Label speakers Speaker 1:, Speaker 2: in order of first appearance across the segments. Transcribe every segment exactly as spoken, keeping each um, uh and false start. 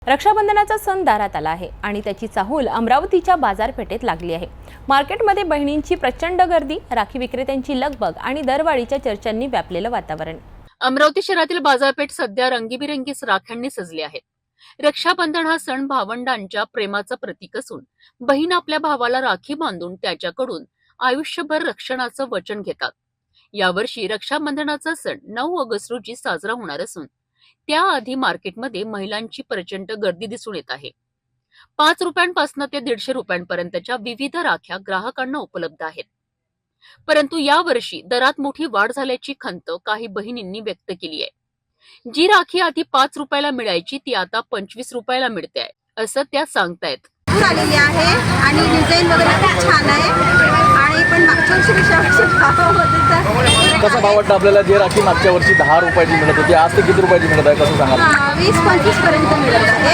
Speaker 1: रक्षाबंधनाचा सण दारात आला आहे आणि त्याची चाहूल अमरावतीच्या बाजारपेठेत लागली आहे। मार्केटमध्ये बहिणींची प्रचंड गर्दी, राखी विक्रेत्यांची लगबग आणि दरवाढीच्या चर्चांनी व्यापलेलं वातावरण।
Speaker 2: अमरावती शहरातील बाजारपेठ सध्या रंगीबिरंगी राख्यांनी सजली आहे। रक्षाबंधन हा सण भावंडांच्या प्रेमाचं प्रतीक असून बहीण आपल्या भावाला राखी बांधून त्याच्याकडून आयुष्यभर रक्षणाचं वचन घेतात। यावर्षी रक्षाबंधनाचा सण नऊ ऑगस्ट रोजी साजरा होणार असून त्याआधी मार्केटमध्ये महिलांची प्रचंड गर्दी दिसून येत आहे। पाच रुपयांपासून ते दीडशे रुपयांपर्यंतच्या विविध राख्या ग्राहकांना उपलब्ध आहेत। परंतु यावर्षी दरात मोठी वाढ झाल्याची खंत काही बहिणींनी व्यक्त केली आहे। जी राखी आधी पाच रुपयाला मिळायची ती आता पंचवीस रुपयाला मिळते आहे असं त्या सांगतायत।
Speaker 3: आलेली आहे आणि डिझाइन वगैरे खूप छान आहे आणि पण मागच्या वर्षीपेक्षा भाव होते तर
Speaker 4: कसा भाव वाटतं आपल्याला? जे राखी मागच्या वर्षी दहा रुपयाची मिळत होती आज ते किती रुपयाची मिळत आहे कसं सांगा?
Speaker 3: वीस पंचवीस पर्यंत मिळत आहे।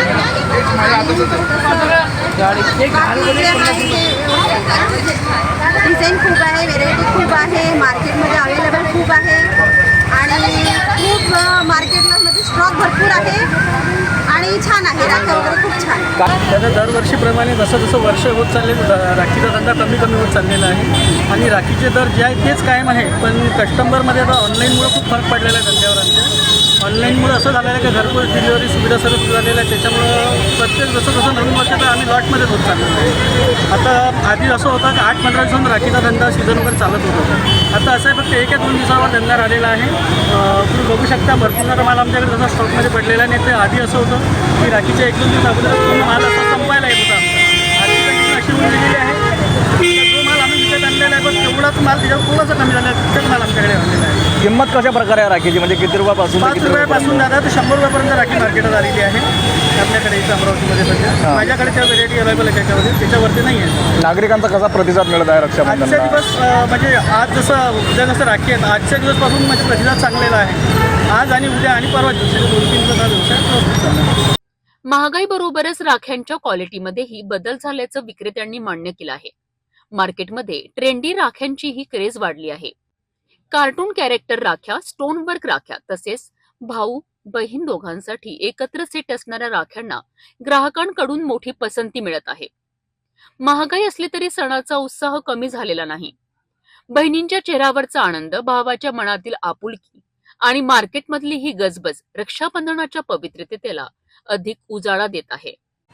Speaker 3: डिझाईन खूप आहे, व्हेरायटी खूप आहे, मार्केटमध्ये अवेलेबल खूप आहे आणि खूप मार्केटला मध्ये स्टॉक भरपूर आहे आणि छान आहे, राख्या वगैरे खूप छान आहे।
Speaker 5: त्याचा दरवर्षीप्रमाणे जसं जसं वर्ष होत चालले राखीचा धंदा कमी कमी होत चाललेला आहे आणि राखीचे दर जे आहे तेच कायम आहे। पण कस्टमरमध्ये आता ऑनलाईनमुळे खूप फरक पडलेला आहे धंद्यावर आमच्या। ऑनलाईनमुळे असं झालेलं आहे की घरपोच डिलिव्हरी सुविधा सर्व सुरू झालेल्या आहे, त्याच्यामुळं प्रत्येक जसं जसं नवीन वर्षाचं आम्ही लॉटमध्येच होत चाललेलो आहे। आता आधी असं होतं की आठ पंधरा दिवसांनी राखीचा धंदा सीझन वगैरे चालत होता, आता असं आहे फक्त एक एक दोन दिवसावर धंदा राहिलेला आहे। तुम्ही बघू शकता भरपूर सारा माल आमच्याकडे जसा स्टॉकमध्ये पडलेला आहे। नाही तर आधी असं होतं की राखीच्या एक दोन दिवस अगोदर पूर्ण माल असा संपायला येत होता आमचा। आधी कंडिशन अशी होऊन गेलेली आहे जो माल आम्ही विकत आणलेला आहे बस तेवढाच माल त्याच्यावर थोडासा कमी झाला आहे, तितकाच माल आमच्याकडे आणलेला आहे।
Speaker 4: किंमत कशा प्रकारे आहे राखीची? म्हणजे किती रुपयापासून
Speaker 5: पाच रुपयापासून दादा तर शंभर रुपयापर्यंत राखी मार्केटात आलेली आहे आपल्याकडे इथं अमरावतीमध्ये सध्या। माझ्याकडे त्या व्हेरायटी अवेलेबल आहे त्याच्यामध्ये, त्याच्यावरती नाही आहे।
Speaker 4: नागरिकांचा कसा प्रतिसाद मिळत आहे
Speaker 5: आजच्या
Speaker 4: रक्षाबंधन?
Speaker 5: दिवस म्हणजे आज जसं उद्या जसं राखी आहेत आजच्या दिवसपासून म्हणजे प्रतिसाद चांगलेला आहे। आज आणि उद्या आणि परवा दिवशी दोन तीन दिवस व्यवसाय।
Speaker 2: महागाई बरोबरच राख्यांच्या क्वालिटीमध्येही बदल झाल्याचं विक्रेत्यांनी मान्य केलं आहे। मार्केटमध्ये ट्रेंडी राख्यांचीही क्रेज वाढली आहे। कार्टून कॅरेक्टर राख्या, स्टोन वर्क राख्या तसेच भाऊ बहीण दोघांसाठी एकत्र सेट असणाऱ्या राख्यांना ग्राहकांकडून मोठी पसंती मिळत आहे। महागाई असली तरी सणाचा उत्साह कमी झालेला नाही। बहिणींच्या चेहऱ्यावरचा आनंद, भावाच्या मनातील आपुलकी आणि मार्केटमधली ही गजबज रक्षाबंधनाच्या पवित्रतेला अधिक उजाळा देत आहे।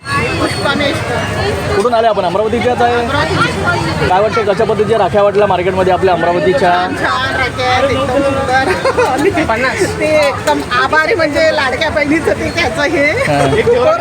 Speaker 4: कुठून आले आपण? अमरावतीच्याच आहे। काय वाटतं कशा पद्धतीच्या राख्या वाटल्या मार्केटमध्ये आपल्या अमरावतीच्या?
Speaker 6: ते एकदम आभारी म्हणजे लाडक्या बहिणीचं ते त्याचं हे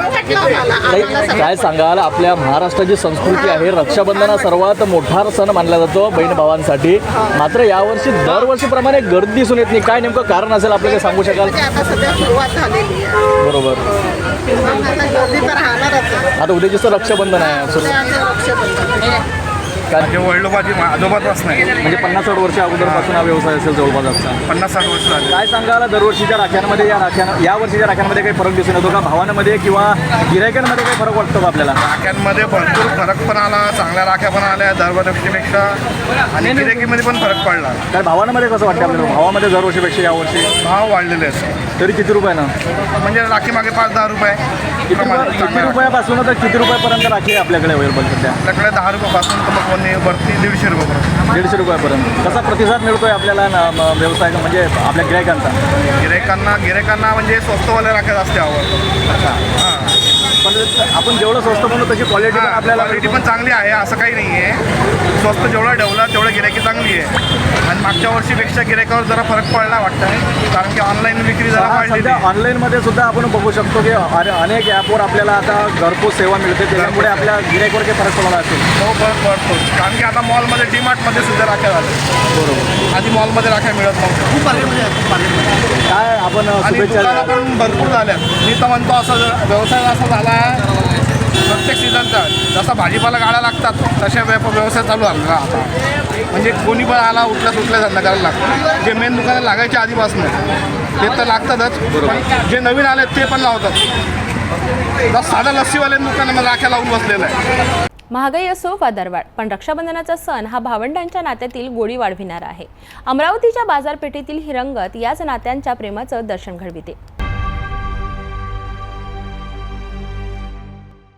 Speaker 4: काय सांगाल? आपल्या महाराष्ट्राची संस्कृती आहे, रक्षाबंधन हा सर्वात मोठा सण मानला जातो बहीण भावांसाठी, मात्र यावर्षी दरवर्षीप्रमाणे गर्दी दिसून येत नाही। काय नेमकं कारण असेल आपल्याला सांगू शकाल?
Speaker 6: आता सध्या सुरुवात झालेली आहे,
Speaker 4: बरोबर।
Speaker 6: आता गर्दी तर राहणारच आहे।
Speaker 4: आता उद्याची रक्षाबंधन आहे,
Speaker 6: रक्षाबंधन
Speaker 7: म्हणजे वडिलोपाची आजोबाच नाही
Speaker 4: म्हणजे पन्नास साठ वर्ष अगोदरपासून हा व्यवसाय असेल जवळपास आमचा।
Speaker 7: पन्नास साठ वर्ष झाले।
Speaker 4: काय सांगाल दरवर्षीच्या राख्यांमध्ये या राख्यां या वर्षीच्या राख्यांमध्ये काही फरक दिसून येतो का? भावांमध्ये किंवा गिरायकांमध्ये काही फरक वाटतो का आपल्याला?
Speaker 7: राख्यांमध्ये भरपूर फरक पण आला, चांगल्या राख्या पण आल्या दरवर्षीपेक्षा आणि गिरायकीमध्ये पण फरक पडला।
Speaker 4: काय भावांमध्ये कसं वाटतं आपल्याला? भावामध्ये दरवर्षीपेक्षा यावर्षी
Speaker 7: भाव वाढलेले आहेत
Speaker 4: तरी किती रुपयानं?
Speaker 7: म्हणजे राखी मागे पाच दहा रुपये
Speaker 4: किती किती रुपयापासून तर किती रुपयापर्यंत राखी आहे आपल्याकडे अवेलेबल सध्या?
Speaker 7: आपल्याकडे दहा रुपयापासून तर मग कोणी वरती दीडशे रुपयापर्यंत
Speaker 4: दीडशे रुपयापर्यंत कसा प्रतिसाद मिळतोय आपल्याला ना म- व्यवसाय म्हणजे आपल्या गिरायकांचा?
Speaker 7: गिरायकांना गिरायकांना म्हणजे स्वस्तवाल्या राख्या जास्त आवडतात। हां,
Speaker 4: पण आपण जेवढं स्वस्त म्हणू तशी क्वालिटी पण आपल्याला
Speaker 7: क्वालिटी पण चांगली आहे, असं काही नाही आहे। स्वस्त जेवढं ठेवलं तेवढं गिरायकी चांगली आहे आणि मागच्या वर्षीपेक्षा गिरायकावर जरा फरक पडला वाटतं, कारण की ऑनलाईन विक्री जरा वाढलेली
Speaker 4: सध्या
Speaker 7: आहे।
Speaker 4: ऑनलाईनमध्ये सुद्धा आपण बघू शकतो की अने- अनेक ॲपवर आपल्याला आता घरपोच सेवा मिळते, त्याच्यामुळे आपल्या गिरायकावर काही फरक पडला असेल।
Speaker 7: हो फरक पडतो, कारण की आता मॉलमध्ये डीमार्टमध्ये सुद्धा राख्या झाल्या।
Speaker 4: बरोबर।
Speaker 7: आधी मॉलमध्ये राख्या मिळत नव्हत्या, खूप आले म्हणजे
Speaker 4: काय आपण
Speaker 7: आणि
Speaker 4: शुभेच्छा
Speaker 7: दुकानं पण भरपूर झाल्या। मी तर म्हणतो असं व्यवसाय असा झाला आहे प्रत्येक सीझनचा, जसा भाजीपाला गाड्या लागतात तशा व्याप व्यवसाय चालू झाला आता। म्हणजे कोणी पण आला उठल्या सुटल्या धंदा करायला लागतो। जे मेन दुकानं लागायच्या आधीपासून ते तर लागतातच, पण जे नवीन आले ते पण लावतात। जसं साधा लस्सीवाल्या दुकानामध्ये राख्या लावून बसलेलं आहे।
Speaker 1: महागाई असो वा दरवाढ, पण रक्षाबंधनाचा सण हा भावंडांच्या नात्यातील गोडी वाढविणारा आहे। अमरावतीच्या बाजारपेठेतील ही रंगत याच नात्यांच्या प्रेमाचं दर्शन घडविते।